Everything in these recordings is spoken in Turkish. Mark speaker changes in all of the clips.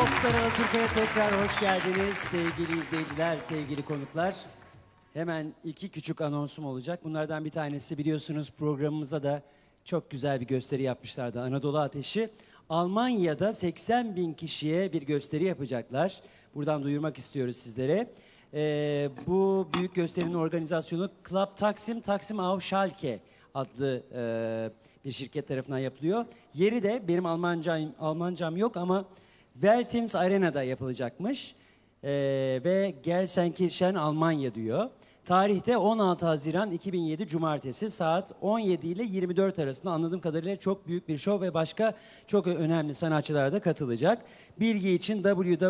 Speaker 1: Popstar Alaturka'ya tekrar hoş geldiniz sevgili izleyiciler, sevgili konuklar. Hemen iki küçük anonsum olacak. Bunlardan bir tanesi biliyorsunuz programımızda da çok güzel bir gösteri yapmışlardı. Anadolu Ateşi. Almanya'da 80.000 kişiye bir gösteri yapacaklar. Buradan duyurmak istiyoruz sizlere. Bu büyük gösterinin organizasyonu Club Taksim, Taksim auf Schalke adlı bir şirket tarafından yapılıyor. Yeri de benim Almancam yok ama Veltins Arena'da yapılacakmış. Ve Gelsenkirchen Almanya diyor. Tarihte 16 Haziran 2007 Cumartesi saat 17 ile 24 arasında anladığım kadarıyla çok büyük bir şov ve başka çok önemli sanatçılar da katılacak. Bilgi için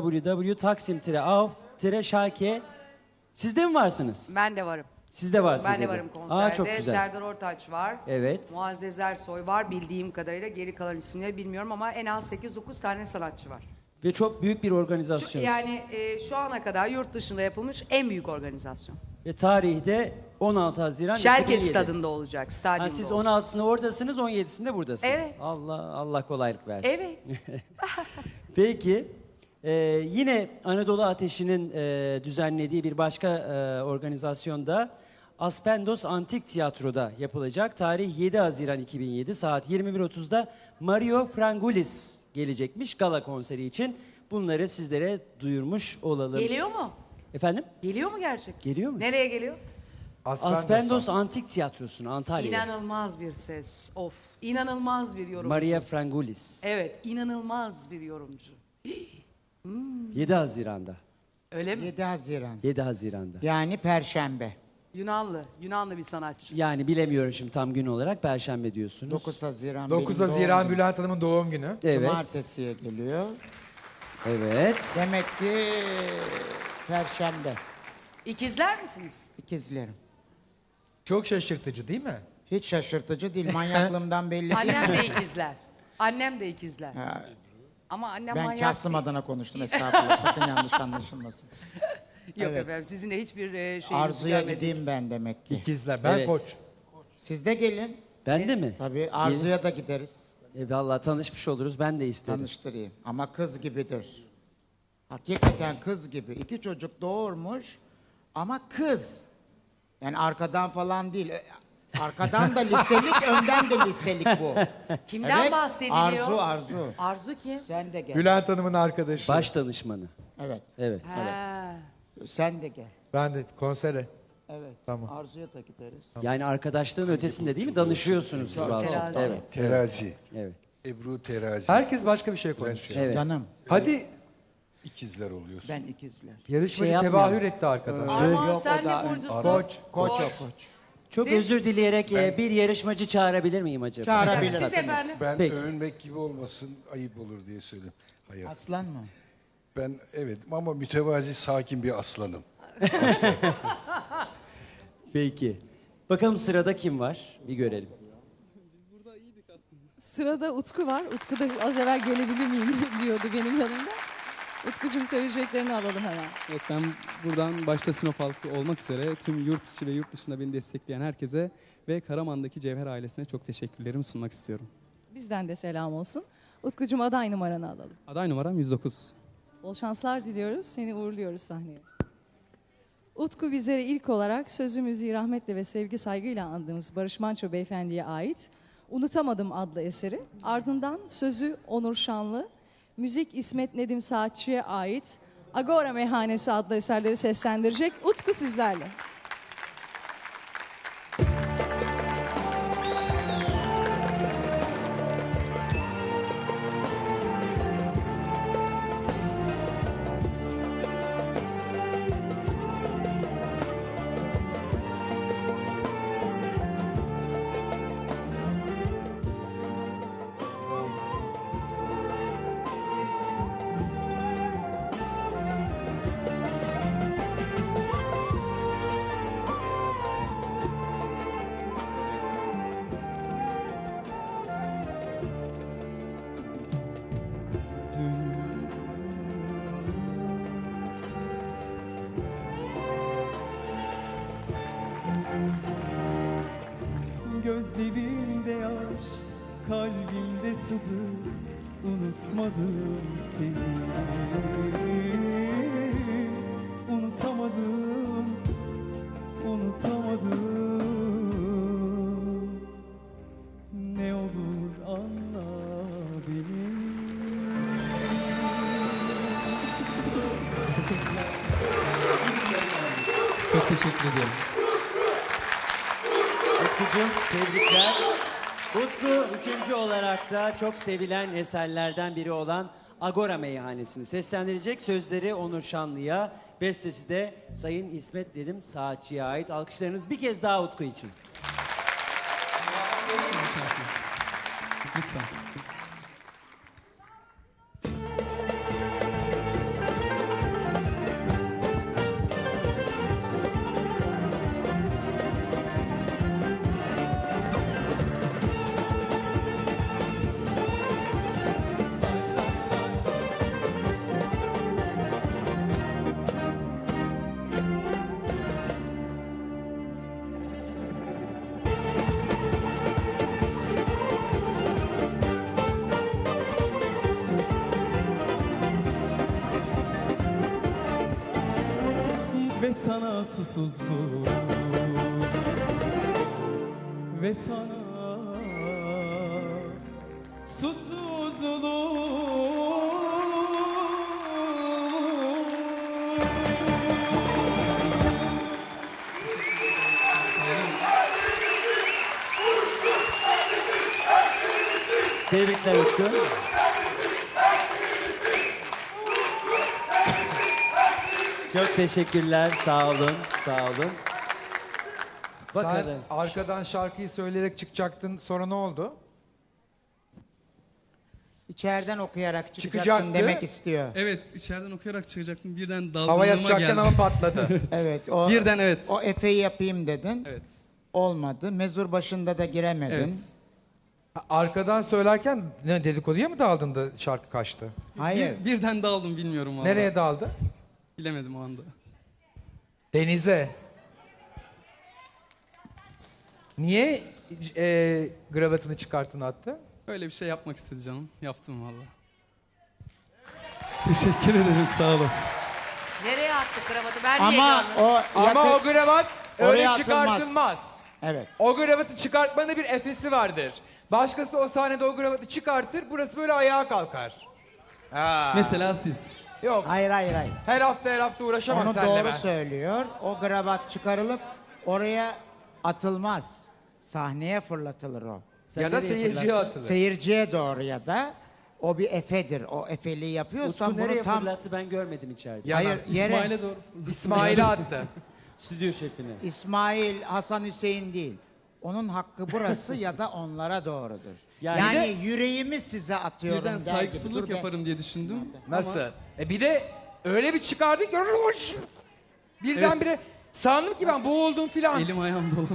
Speaker 1: www.taksim-auf-schalke. Siz de mi varsınız?
Speaker 2: Ben de varım.
Speaker 1: Siz de varsınız.
Speaker 2: Ben de varım konserde.
Speaker 1: Çok güzel.
Speaker 2: Serdar Ortaç var.
Speaker 1: Evet.
Speaker 2: Muazzez Ersoy var bildiğim kadarıyla. Geri kalan isimleri bilmiyorum ama en az 8-9 tane sanatçı var.
Speaker 1: Ve çok büyük bir organizasyon.
Speaker 2: Yani şu ana kadar yurt dışında yapılmış en büyük organizasyon.
Speaker 1: Ve tarihte 16 Haziran
Speaker 2: Şalke
Speaker 1: 2007.
Speaker 2: stadında olacak, stadyumda
Speaker 1: Siz
Speaker 2: olacak.
Speaker 1: 16'sında oradasınız, 17'sinde buradasınız.
Speaker 2: Evet.
Speaker 1: Allah kolaylık versin.
Speaker 2: Evet.
Speaker 1: Peki, yine Anadolu Ateşi'nin düzenlediği bir başka organizasyonda Aspendos Antik Tiyatro'da yapılacak. Tarih 7 Haziran 2007 saat 21.30'da Mario Frangulis gelecekmiş gala konseri için. Bunları sizlere duyurmuş olalım.
Speaker 2: Geliyor mu?
Speaker 1: Efendim?
Speaker 2: Geliyor mu gerçekten?
Speaker 1: Geliyor mu?
Speaker 2: Nereye geliyor?
Speaker 1: Aspendos Antik Tiyatrosu'na Antalya'ya.
Speaker 2: İnanılmaz bir ses. Of. İnanılmaz bir yorumcu.
Speaker 1: Maria Frangulis.
Speaker 2: Evet, inanılmaz bir yorumcu.
Speaker 1: 7 Haziran'da.
Speaker 2: Öyle mi?
Speaker 3: 7 Haziran.
Speaker 1: 7 Haziran'da.
Speaker 3: Yani Perşembe.
Speaker 2: Yunanlı bir sanatçı.
Speaker 1: Yani bilemiyorum şimdi tam gün olarak. Perşembe diyorsunuz.
Speaker 3: 9 Haziran
Speaker 4: 9
Speaker 3: benim
Speaker 4: Haziran
Speaker 3: doğum günüm.
Speaker 4: Bülent Hanım'ın doğum günü.
Speaker 1: Evet.
Speaker 3: Cumartesiye geliyor.
Speaker 1: Evet.
Speaker 3: Demek ki Perşembe.
Speaker 2: İkizler misiniz?
Speaker 3: İkizlerim.
Speaker 4: Çok şaşırtıcı değil mi?
Speaker 3: Hiç şaşırtıcı değil. Manyaklığımdan belli.
Speaker 2: Annem de ikizler. Annem de ikizler.
Speaker 3: Ha,
Speaker 2: Ama annem
Speaker 3: ben
Speaker 2: manyak
Speaker 3: Kasım
Speaker 2: değil.
Speaker 3: adına konuştum estağfurullah. Sakın yanlış anlaşılmasın.
Speaker 2: Yok
Speaker 3: Evet.
Speaker 2: efendim sizinle hiçbir şeyimizi
Speaker 3: Arzu'ya
Speaker 2: görmedik.
Speaker 3: gideyim ben demek ki.
Speaker 4: İkizler. Ben
Speaker 1: Evet.
Speaker 4: Koç.
Speaker 3: Siz de gelin.
Speaker 1: Ben de mi?
Speaker 3: Tabii Arzu'ya da gideriz.
Speaker 1: Vallahi tanışmış oluruz. Ben de isterim.
Speaker 3: Tanıştırayım. Ama kız gibidir. Hakikaten kız gibi. 2 çocuk doğurmuş ama kız. Yani arkadan falan değil. Arkadan da liselik, önden de liselik bu.
Speaker 2: Kimden bahsediliyor?
Speaker 3: Arzu.
Speaker 2: Arzu kim?
Speaker 3: Sen de gel.
Speaker 4: Bülent Hanım'ın arkadaşı.
Speaker 1: Baş danışmanı.
Speaker 3: Evet.
Speaker 1: Evet.
Speaker 2: Ha.
Speaker 3: Sen de gel.
Speaker 4: Ben de konsere.
Speaker 3: Evet.
Speaker 4: Tamam.
Speaker 3: Arzu'ya da gideriz.
Speaker 1: Yani arkadaşlığın ötesinde değil mi? Danışıyorsunuz siz bazen.
Speaker 2: Terazi.
Speaker 1: Evet.
Speaker 5: Terazi.
Speaker 1: Evet.
Speaker 5: Ebru Terazi.
Speaker 4: Herkes başka bir şey konuşuyor.
Speaker 1: Evet.
Speaker 3: Canım.
Speaker 4: Hadi
Speaker 5: İkizler oluyorsun.
Speaker 3: Ben ikizler.
Speaker 4: yarışmacı
Speaker 1: Şey
Speaker 4: tebahür
Speaker 1: yapmayalım.
Speaker 4: etti arkadaş.
Speaker 2: Armağan
Speaker 3: Yok,
Speaker 2: sen
Speaker 3: o da-
Speaker 2: ne burcusun?
Speaker 4: Koç.
Speaker 3: Koç.
Speaker 1: Çok
Speaker 2: Siz?
Speaker 1: özür dileyerek bir yarışmacı çağırabilir miyim acaba?
Speaker 3: Çağırabilirsiniz.
Speaker 2: Siz efendim?
Speaker 5: Ben
Speaker 1: Peki.
Speaker 5: övünmek gibi olmasın, ayıp olur diye söyledim. Hayır.
Speaker 3: Aslan mı?
Speaker 5: Ben evet ama mütevazi, sakin bir aslanım.
Speaker 1: Peki. Bakalım sırada kim var? Bir görelim.
Speaker 6: Sırada Utku var. Utku da az evvel gelebilir miyim diyordu benim yanımda. Utkucuğum söyleyeceklerini alalım hemen.
Speaker 7: Evet, ben buradan başta Sinop halkı olmak üzere tüm yurt içi ve yurt dışında beni destekleyen herkese ve Karaman'daki Cevher ailesine çok teşekkürlerimi sunmak istiyorum.
Speaker 6: Bizden de selam olsun. Utkucuğum aday numaranı alalım.
Speaker 7: Aday numaram 109.
Speaker 6: Bol şanslar diliyoruz. Seni uğurluyoruz sahneye. Utku bizlere ilk olarak sözü müziği rahmetle ve sevgi saygıyla andığımız Barış Manço Beyefendi'ye ait Unutamadım adlı eseri. Ardından sözü Onur Şanlı, müzik İsmet Nedim Saatçı'ya ait Agora Meyhanesi adlı eserleri seslendirecek. Utku sizlerle.
Speaker 8: Gözlerimde yaş, kalbimde sızı,
Speaker 7: unutmadım seni. Unutamadım, unutamadım. Ne olur anla beni. Çok teşekkür ederim.
Speaker 1: Utkucuğum tebrikler. Utku ikinci olarak da çok sevilen eserlerden biri olan Agora Meyhanesi'ni seslendirecek. Sözleri Onur Şanlı'ya, bestesi de Sayın İsmet Dedim Saatçı'ya ait. Alkışlarınız bir kez daha Utku için.
Speaker 7: Lütfen. Ve sana susuzluğum, ve sana
Speaker 1: Tebrikler Utku. Çok teşekkürler. Sağ olun. Sağ olun.
Speaker 4: Sen
Speaker 1: Bakalım.
Speaker 4: arkadan şarkıyı söyleyerek çıkacaktın. Sonra ne oldu?
Speaker 3: İçeriden okuyarak çıkacaktın
Speaker 4: Çıkacaktı.
Speaker 3: demek istiyor.
Speaker 7: Evet, içeriden okuyarak çıkacaktım. Birden
Speaker 4: Hava
Speaker 7: dalgınlığıma
Speaker 4: yapacakken
Speaker 7: geldi.
Speaker 4: ama patladı.
Speaker 3: Evet. O,
Speaker 7: Birden evet.
Speaker 3: O efeyi yapayım dedin.
Speaker 7: Evet.
Speaker 3: Olmadı. Mezur başında da giremedin.
Speaker 7: Evet.
Speaker 4: Arkadan söylerken ne dedikoduya mı daldın da şarkı kaçtı?
Speaker 3: Hayır.
Speaker 7: Birden daldım bilmiyorum valla.
Speaker 4: Nereye daldı?
Speaker 7: Bilemedim o anda.
Speaker 4: Denize. Niye gravatını çıkarttın attı?
Speaker 7: Öyle bir şey yapmak istedi canım. Yaptım valla. Teşekkür ederim, sağ olasın.
Speaker 2: Nereye attık kravatı? Ben niye
Speaker 3: Ama
Speaker 2: canlı?
Speaker 3: o
Speaker 8: Ama
Speaker 3: yakı-
Speaker 8: o gravat öyle
Speaker 3: Oraya atılmaz.
Speaker 8: çıkartılmaz.
Speaker 3: Evet.
Speaker 8: O gravatı çıkartmanın bir efesi vardır. Başkası o sahnede o gravatı çıkartır, burası böyle ayağa kalkar. Ha.
Speaker 7: Mesela siz.
Speaker 8: Yok,
Speaker 3: Hayır hayır hayır.
Speaker 8: her hafta uğraşamam
Speaker 3: Onu
Speaker 8: seninle
Speaker 3: doğru
Speaker 8: ben.
Speaker 3: söylüyor. O kravat çıkarılıp oraya atılmaz. Sahneye fırlatılır o.
Speaker 1: Sen
Speaker 4: Ya da
Speaker 1: nereye
Speaker 4: seyirciye
Speaker 1: fırlattın?
Speaker 4: atılır.
Speaker 3: Seyirciye doğru ya da o bir efedir. O efeliği yapıyorsan
Speaker 1: Utku
Speaker 3: bunu
Speaker 1: nereye
Speaker 3: tam...
Speaker 1: fırlattı ben görmedim içeride.
Speaker 3: Hayır yere
Speaker 7: İsmail'e doğru.
Speaker 8: İsmail'e attı.
Speaker 1: Stüdyo şefine.
Speaker 3: İsmail, Hasan Hüseyin değil. Onun hakkı burası ya da onlara doğrudur.
Speaker 1: Yani
Speaker 3: Yani,
Speaker 1: bir
Speaker 3: yüreğimi size atıyorum
Speaker 7: Birden
Speaker 3: der gibi.
Speaker 7: saygısızlık
Speaker 3: Dur be.
Speaker 7: yaparım diye düşündüm.
Speaker 8: Nasıl? Bir de öyle bir çıkardı ki birdenbire sandım ki ben boğuldum filan.
Speaker 7: Elim ayağım dolandı.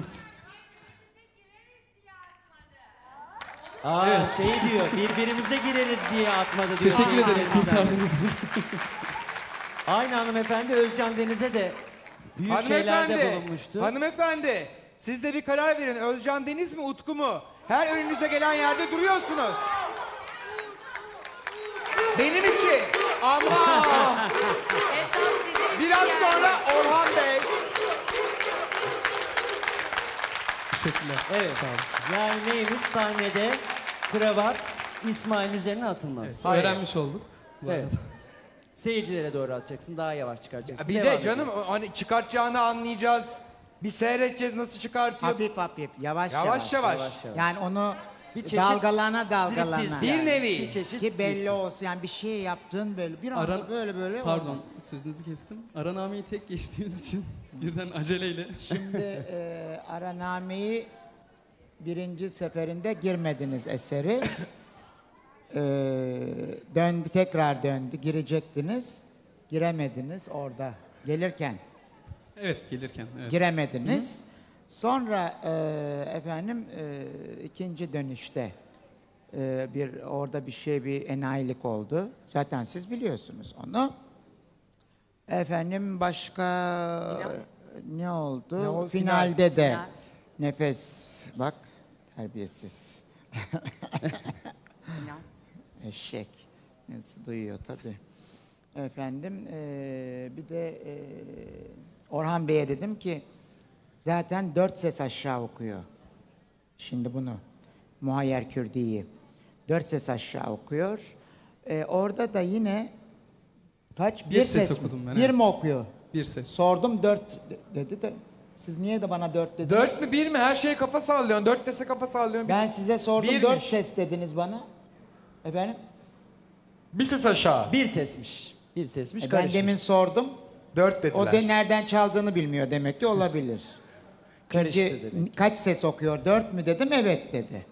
Speaker 1: Aa şey diyor birbirimize gireriz diye atmadı diyor.
Speaker 7: Teşekkür ederim,
Speaker 1: Seyircilerimizden.
Speaker 7: kurtardınız beni.
Speaker 1: Aynı hanımefendi Özcan Deniz'e de büyük şeylerde bulunmuştu.
Speaker 8: Hanımefendi, siz de bir karar verin. Özcan Deniz mi, Utku mu? Her önünüze gelen yerde duruyorsunuz. Benim için. Ama
Speaker 2: Esas sizin
Speaker 8: biraz
Speaker 2: yani.
Speaker 8: sonra Orhan Bey.
Speaker 7: Teşekkürler.
Speaker 1: Evet.
Speaker 7: Sağ olun.
Speaker 1: Yani neymiş sahnede kravat İsmail'in üzerine atılmaz.
Speaker 8: Hayır.
Speaker 7: Öğrenmiş olduk. Bu
Speaker 1: Evet.
Speaker 7: arada.
Speaker 1: Seyircilere doğru atacaksın. Daha yavaş çıkaracaksın.
Speaker 8: Bir
Speaker 1: Devam
Speaker 8: de canım
Speaker 1: ediyoruz.
Speaker 8: hani çıkartacağını anlayacağız. Bir seyredeceğiz nasıl çıkartıyor.
Speaker 3: Hafif hafif, yavaş
Speaker 8: Yavaş
Speaker 3: yavaş.
Speaker 8: yavaş.
Speaker 3: Yani onu
Speaker 1: Bir çeşit
Speaker 3: dalgalana dalgalana.
Speaker 1: striptiz
Speaker 8: Bir
Speaker 1: yani.
Speaker 8: nevi.
Speaker 1: Bir çeşit
Speaker 3: Ki belli
Speaker 1: striptiz.
Speaker 3: olsun yani bir şey yaptığın böyle bir anda
Speaker 7: Ara-
Speaker 3: böyle
Speaker 7: Pardon,
Speaker 3: olmaz.
Speaker 7: sözünüzü kestim. Aranameyi tek geçtiğimiz için birden aceleyle.
Speaker 3: Şimdi Araname'yi birinci seferinde girmediniz eseri. Döndü, tekrar döndü, girecektiniz. Giremediniz orada. Gelirken
Speaker 7: Evet, gelirken. Evet.
Speaker 3: giremediniz. Sonra efendim ikinci dönüşte orada bir enayilik oldu. Zaten siz biliyorsunuz onu. Efendim başka ne oldu?
Speaker 4: Ne oldu?
Speaker 3: Finalde de
Speaker 2: Final.
Speaker 3: nefes bak terbiyesiz.
Speaker 2: İnan.
Speaker 3: Eşek. Nasıl duyuyor tabii. Efendim bir de Orhan Bey'e dedim ki zaten 4 ses aşağı okuyor. Şimdi bunu Muhayyer Kürdi'yi 4 ses aşağı okuyor. Orada da yine kaç?
Speaker 7: Bir ses
Speaker 3: mi?
Speaker 7: okudum ben,
Speaker 3: Bir
Speaker 7: evet.
Speaker 3: mi okuyor?
Speaker 7: Bir ses.
Speaker 3: Sordum 4 dedi de siz niye de bana 4 dediniz?
Speaker 8: 4 mü 1 mi? Her şeye kafa sallıyorsun. 4 dese kafa sallıyorsun.
Speaker 3: Ben size sordum
Speaker 8: Birmiş.
Speaker 3: 4 ses dediniz bana. Efendim?
Speaker 8: Bir ses aşağı.
Speaker 1: Bir sesmiş. Bir sesmiş.
Speaker 3: Ben
Speaker 1: karışmış.
Speaker 3: demin sordum.
Speaker 8: 4 dediler.
Speaker 3: O de nereden çaldığını bilmiyor demek ki olabilir.
Speaker 1: Karıştı
Speaker 3: Çünkü
Speaker 1: dedi.
Speaker 3: kaç ses okuyor? 4 mü dedim? Evet dedi.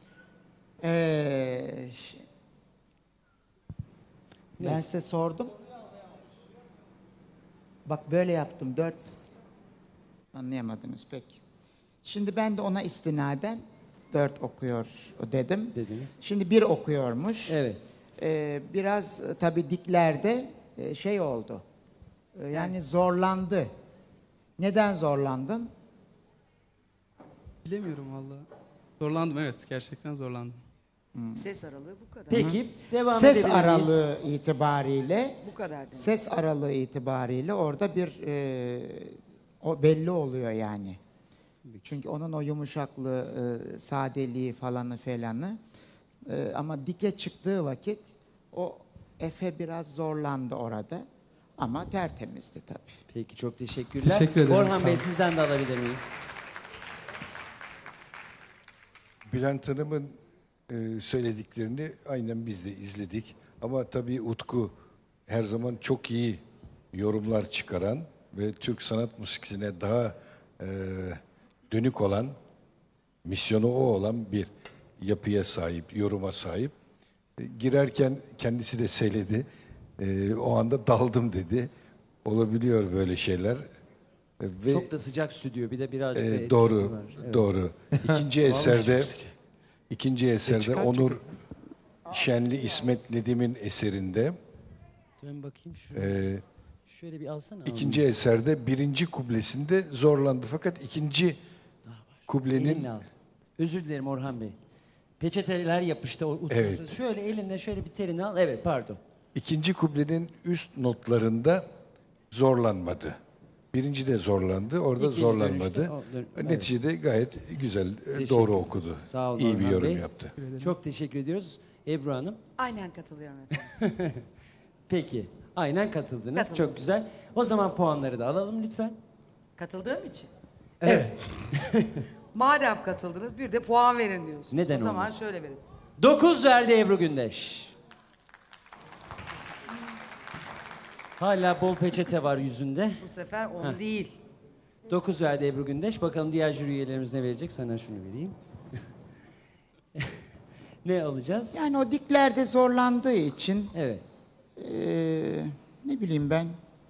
Speaker 3: Ben size sordum. Bak böyle yaptım. 4. Anlayamadınız pek. Şimdi ben de ona istinaden 4 okuyor dedim.
Speaker 1: Dediniz.
Speaker 3: Şimdi 1 okuyormuş.
Speaker 1: Evet.
Speaker 3: Biraz tabii diklerde şey oldu. Yani zorlandı. Neden zorlandın?
Speaker 7: Bilemiyorum valla. Zorlandım, evet. Gerçekten zorlandım.
Speaker 2: Ses aralığı bu kadar.
Speaker 1: Peki devam
Speaker 3: Ses
Speaker 1: edebilir miyiz?
Speaker 3: aralığı itibariyle
Speaker 2: Bu kadar demek.
Speaker 3: ses aralığı itibariyle orada bir o belli oluyor yani. Çünkü onun o yumuşaklığı, sadeliği falanı felanı. Ama dike çıktığı vakit o Efe biraz zorlandı orada. Ama tertemizdi tabii.
Speaker 1: Peki çok teşekkürler.
Speaker 7: Teşekkür ederim,
Speaker 1: Orhan
Speaker 7: sağ
Speaker 1: Bey
Speaker 7: olun.
Speaker 1: sizden de alabilir miyim?
Speaker 5: Bülent Hanım'ın söylediklerini aynen biz de izledik. Ama tabii Utku her zaman çok iyi yorumlar çıkaran ve Türk sanat müziğine daha dönük olan, misyonu o olan bir yapıya sahip, yoruma sahip. Girerken kendisi de söyledi. O anda daldım dedi. Olabiliyor böyle şeyler. Ve
Speaker 1: Çok da sıcak stüdyo. Bir de birazcık da etkisi
Speaker 5: doğru,
Speaker 1: var. Evet.
Speaker 5: doğru. İkinci eserde Onur Şenli İsmet Nedim'in eserinde,
Speaker 1: Dön bakayım şuraya. Şöyle bir alsana.
Speaker 5: ikinci eserde birinci kublesinde zorlandı. Fakat ikinci kublenin
Speaker 1: Elinle al. Özür dilerim Orhan Bey. Peçeteler yapıştı.
Speaker 5: Evet.
Speaker 1: Şöyle elinle şöyle bir terini al. Evet pardon.
Speaker 5: ikinci kublenin üst notlarında zorlanmadı. Birinci de zorlandı, orada
Speaker 1: İkinci
Speaker 5: zorlanmadı.
Speaker 1: dönüşte evet.
Speaker 5: Neticede gayet güzel,
Speaker 1: Teşekkür
Speaker 5: doğru
Speaker 1: ederim.
Speaker 5: okudu.
Speaker 1: Sağ olun
Speaker 5: İyi bir
Speaker 1: Orhan
Speaker 5: yorum
Speaker 1: Bey.
Speaker 5: yaptı.
Speaker 1: Çok teşekkür ediyoruz. Ebru Hanım.
Speaker 2: Aynen katılıyorum efendim.
Speaker 1: Peki. Aynen katıldınız.
Speaker 2: Katıldım.
Speaker 1: Çok güzel. O zaman puanları da alalım lütfen.
Speaker 2: Katıldığım için.
Speaker 1: Evet.
Speaker 2: Madem katıldınız bir de puan verin diyorsunuz.
Speaker 1: Neden
Speaker 2: O zaman
Speaker 1: olmasın?
Speaker 2: şöyle verin.
Speaker 1: 9 verdi Ebru Gündeş. Hala bol peçete var yüzünde.
Speaker 2: Bu sefer 10 değil.
Speaker 1: 9 verdi Ebru Gündeş. Bakalım diğer jüri üyelerimiz ne verecek? Sana şunu vereyim. Ne alacağız?
Speaker 3: Yani o diklerde zorlandığı için
Speaker 1: Evet.
Speaker 3: ne bileyim ben.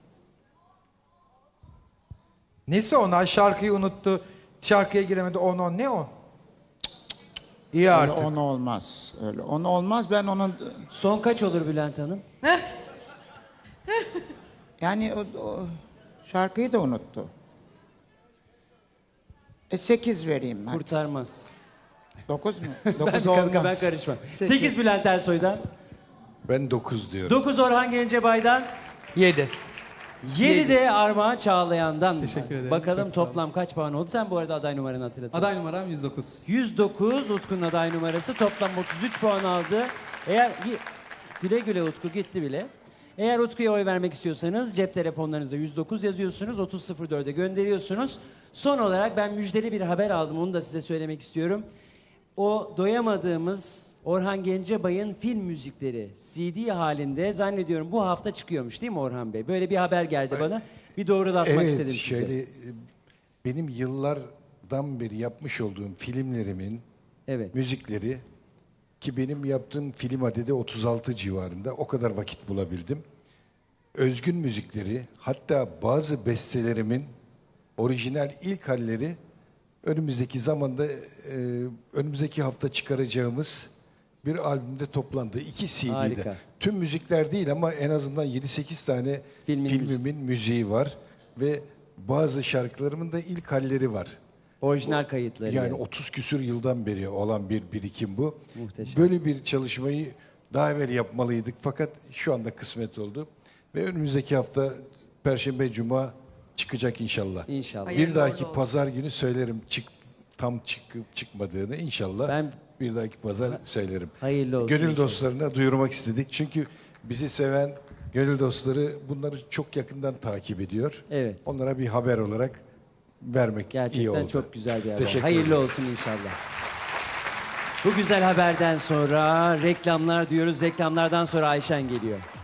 Speaker 8: Nesi onlar? Şarkıyı unuttu. Şarkıya giremedi. 10 ne o? İyi
Speaker 3: Öyle
Speaker 8: artık.
Speaker 3: 10 olmaz. Öyle 10 olmaz. Ben onun
Speaker 1: Son kaç olur Bülent Hanım?
Speaker 3: yani o şarkıyı da unuttu. 8 vereyim ben.
Speaker 1: Kurtarmaz.
Speaker 3: 9 mu?
Speaker 1: Ben,
Speaker 3: 9
Speaker 1: ben
Speaker 3: olmaz.
Speaker 1: karışmam. 8 Bülent Ersoy'dan.
Speaker 5: Ben 9 diyorum.
Speaker 1: 9 Orhan Gencebay'dan.
Speaker 8: 7.
Speaker 1: 7 de Armağan Çağlayan'dan.
Speaker 7: Teşekkür ederim,
Speaker 1: Bakalım
Speaker 7: çok sağ olun.
Speaker 1: toplam kaç puan oldu? Sen bu arada aday numaranı hatırlatın.
Speaker 7: Aday numaram 109.
Speaker 1: 109 Utku'nun aday numarası. Toplam 33 puan aldı. Eğer güle güle Utku gitti bile. Eğer Utku'ya oy vermek istiyorsanız cep telefonlarınıza 109 yazıyorsunuz. 3004'e gönderiyorsunuz. Son olarak ben müjdeli bir haber aldım. Onu da size söylemek istiyorum. O doyamadığımız Orhan Gencebay'ın film müzikleri CD halinde zannediyorum bu hafta çıkıyormuş değil mi Orhan Bey? Böyle bir haber geldi bana. Bir doğrulatmak istedim size.
Speaker 5: şöyle benim yıllardan beri yapmış olduğum filmlerimin
Speaker 1: Evet.
Speaker 5: müzikleri, ki benim yaptığım film adedi 36 civarında, o kadar vakit bulabildim. Özgün müzikleri, hatta bazı bestelerimin orijinal ilk halleri önümüzdeki zamanda, önümüzdeki hafta çıkaracağımız bir albümde toplandı. 2 CD'de.
Speaker 1: Harika.
Speaker 5: Tüm müzikler değil ama en azından 7-8 tane filmimin müziği var. Ve bazı şarkılarımın da ilk halleri var.
Speaker 1: Orijinal kayıtları.
Speaker 5: Yani 30 küsür yıldan beri olan bir birikim bu.
Speaker 1: Muhteşem.
Speaker 5: Böyle bir çalışmayı daha evvel yapmalıydık fakat şu anda kısmet oldu. Ve önümüzdeki hafta Perşembe, Cuma çıkacak inşallah.
Speaker 1: İnşallah.
Speaker 2: Hayırlı
Speaker 5: Bir dahaki
Speaker 2: uğurlu olsun.
Speaker 5: pazar günü söylerim tam çıkıp çıkmadığını inşallah.
Speaker 1: Ben-
Speaker 5: Bir dahaki pazar söylerim.
Speaker 1: Hayırlı olsun
Speaker 5: Gönül
Speaker 1: inşallah.
Speaker 5: dostlarına duyurmak istedik. Çünkü bizi seven gönül dostları bunları çok yakından takip ediyor.
Speaker 1: Evet.
Speaker 5: Onlara bir haber olarak vermek iyi
Speaker 1: Gerçekten
Speaker 5: oldu.
Speaker 1: çok güzel bir haber.
Speaker 5: Teşekkür
Speaker 1: Hayırlı
Speaker 5: ederim.
Speaker 1: olsun inşallah. Bu güzel haberden sonra reklamlar diyoruz. Reklamlardan sonra Ayşen geliyor.